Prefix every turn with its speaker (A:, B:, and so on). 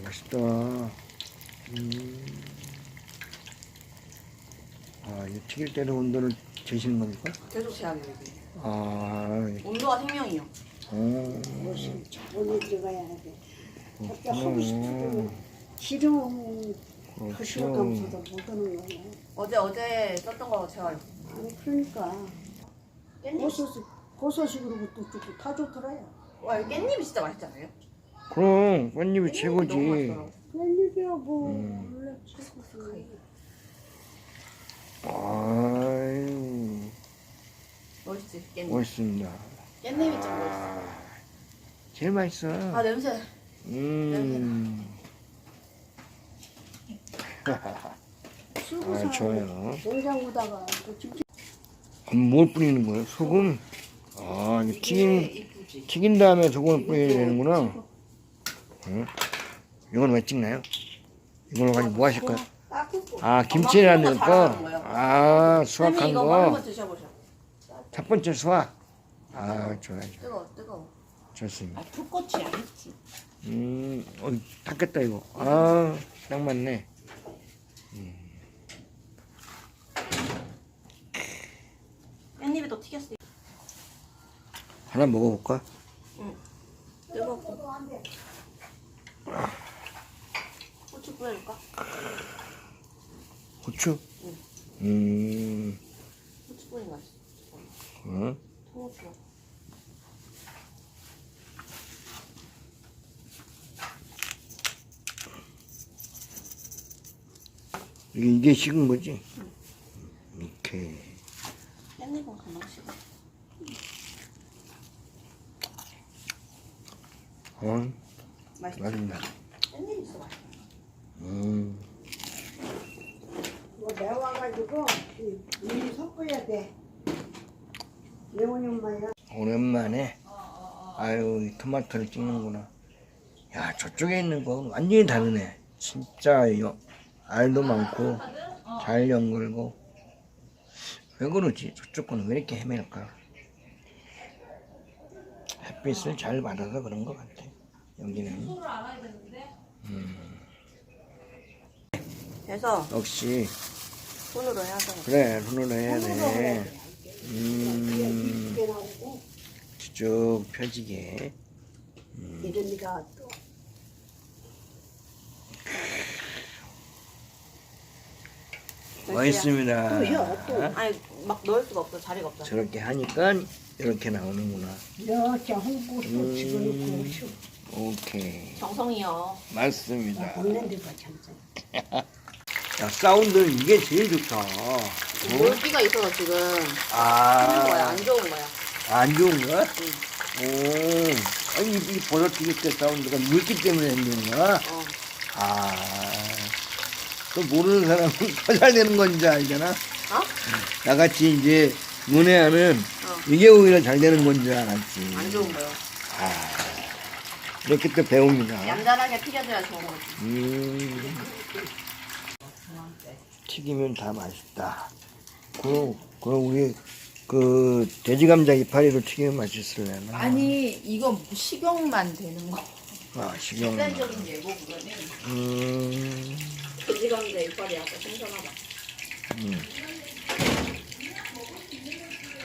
A: 맛있다. 이 튀길 때는 온도를 재시는 겁니까?
B: 계속 제약이에요. 이게. 온도가 생명이요.
C: 오늘 들어가야 돼. 그렇게 하고 싶어도 싫으면 거시로 감서도 못 하는 거야.
B: 어제 썼던 거 제가
C: 아니 그러니까 고소식으로부터 좋고 다 좋더라요.
B: 와, 이 깻잎이 진짜 맛있지 않아요?
A: 그럼 깻잎이 최고지.
B: 너무 맛있더라고.
C: 웬일이야 뭐 원래 최고지.
A: 아유,
B: 멋있지, 깻잎.
A: 멋있습니다.
B: 깻잎이 좀 멋있어.
A: 제일 맛있어.
B: 아, 냄새.
C: 쓰고
A: 좋아요.
C: 냉장고다가 김치
A: 뭘 뿌리는 거예요? 소금? 이거 튀긴 다음에 소금을 뿌려야 되는구나. 이건 왜 찍나요? 이걸로 가지고 뭐 하실 거예요? 김치라는 거? 수확한
B: 선생님, 이거 한번
A: 거?
B: 드셔보셔.
A: 첫 번째 수확? 좋아요.
B: 뜨거워.
A: 좋습니다.
C: 풋꽃이 아니지.
A: 탔겠다, 이거. 딱 맞네.
B: 깻잎이 또 튀겼어.
A: 하나 먹어볼까?
B: 뜨겁고. 고추 뿌려줄까?
A: 고추?
B: 고추 뿌리는 거 맛있어. 통후추.
A: 이게 식은 거지? 이렇게.
B: 깻잎은 금방 식어. 맛있어.
A: 맛있다.
B: 깻잎이 있어 맛있어.
C: 뭐 매워가지고 이 섞어야 돼. 예원이 엄마야.
A: 오랜만에 이 토마토를 찍는구나. 야, 저쪽에 있는 건 완전히 다르네. 진짜 알도 많고 잘 연글고. 왜 그러지? 저쪽 거는 왜 이렇게 헤맬까? 햇빛을 잘 받아서 그런 것 같아. 여기는
B: 그래서
A: 역시
B: 손으로 해야 되는
A: 그래, 손으로 해야 돼.
C: 이게 나오고
A: 쭉 펴지게.
C: 이름이가 또
A: 멋있습니다.
B: 아니 막 넣을 수가 없어. 자리가 없잖아.
A: 저렇게 하니까 이렇게 나오는구나.
C: 이렇게 홍고도 집어넣고 쉬어.
A: 오케이.
B: 정성이요.
A: 맞습니다.
C: 먹는 데가 참참.
A: 야, 사운드는 이게 제일 좋다.
B: 물기가 있어서 지금 하는 거야.
A: 아,
B: 안 좋은 거야.
A: 안 좋은 거야? 아니, 이 버섯 튀길 때 사운드가 물기 때문에 안 좋은 거야? 또 모르는 사람은 더 잘 되는 건지 알잖아? 나같이 이제 문외하는 이게 오히려 잘 되는 건지 알았지.
B: 안 좋은 거요.
A: 이렇게 또 배웁니다.
B: 얌전하게 튀겨줘야 좋은 거지.
A: 튀기면 다 맛있다. 그럼 우리 돼지 감자 이파리로 튀기면 맛있을래나?
B: 아니 이거 식용만 되는 거.
A: 식용.
B: 일반적인 예고 그거는. 돼지 감자 이빨이 약간 신선하다.